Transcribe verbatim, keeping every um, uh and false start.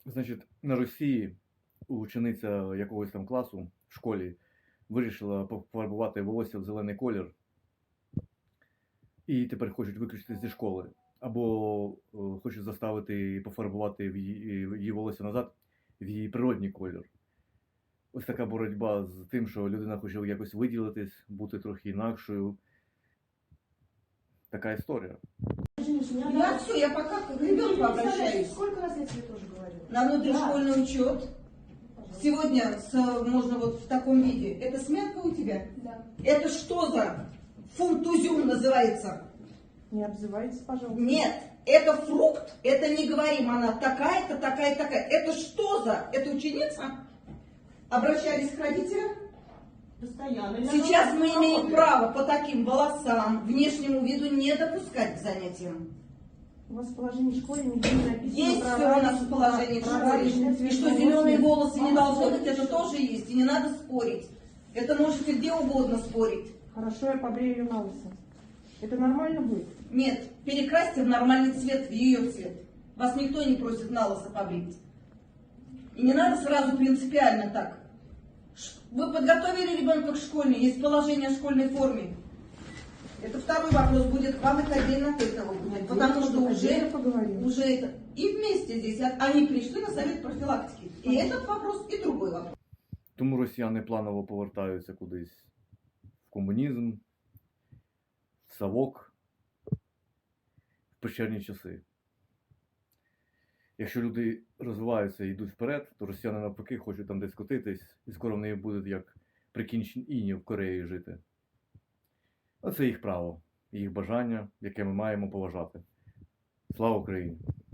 Значить, на Росії учениця якогось там класу в школі вирішила пофарбувати волосся в зелений колір і тепер хочуть виключити зі школи. Або е, хочуть заставити пофарбувати в її, її волосся назад в її природній колір. Ось така боротьба з тим, що людина хоче якось виділитись, бути трохи інакшою. Така історія. Я все, я пока к ребенку обращаюсь. Сколько раз я тебе тоже говорила? На внутришкольный Да. учет. Пожалуйста. Сегодня с, можно вот в таком виде. Это смятка у тебя? Да. Это что за фунтузюм называется? Не обзывайтесь, пожалуйста. Нет, это фрукт, это не говорим, она такая-то, такая-то, такая. Это что за? Это ученица? Обращались к родителям? Постоянно. Я Сейчас на мы вас имеем работаю. право по таким волосам, внешнему виду не допускать к занятиям. У вас в положении школы нигде не написано. Есть права все у нас и- в положении в права школе. личных И что цветов. зеленые волосы не Мама, должны быть, смотрите, это что- тоже есть. И не надо спорить. Это можете где угодно спорить. Хорошо, я побрею ее на лысо. Это нормально будет? Нет, перекрасьте в нормальный цвет, в ее цвет. Вас никто не просит на лысо побрить. И не надо сразу принципиально так. Ш- Вы подготовили ребенка к школьной, есть положение о школьной форме. Это второй вопрос будет к вам, это отдельно от этого будет. Потому что уже, Отдельно поговорим. уже это. И вместе здесь а- они пришли на совет профилактики. И этот вопрос, и другой вопрос. Тому росіяни планово повертаються кудись в комунізм, в совок, в печерні часи. Якщо люди розвиваються і йдуть вперед, то росіяни навпаки хочуть там десь котитись, і скоро в неї будуть як при Кім Чен Іні в Кореї жити. А це їх право, їх бажання, яке ми маємо поважати. Слава Україні!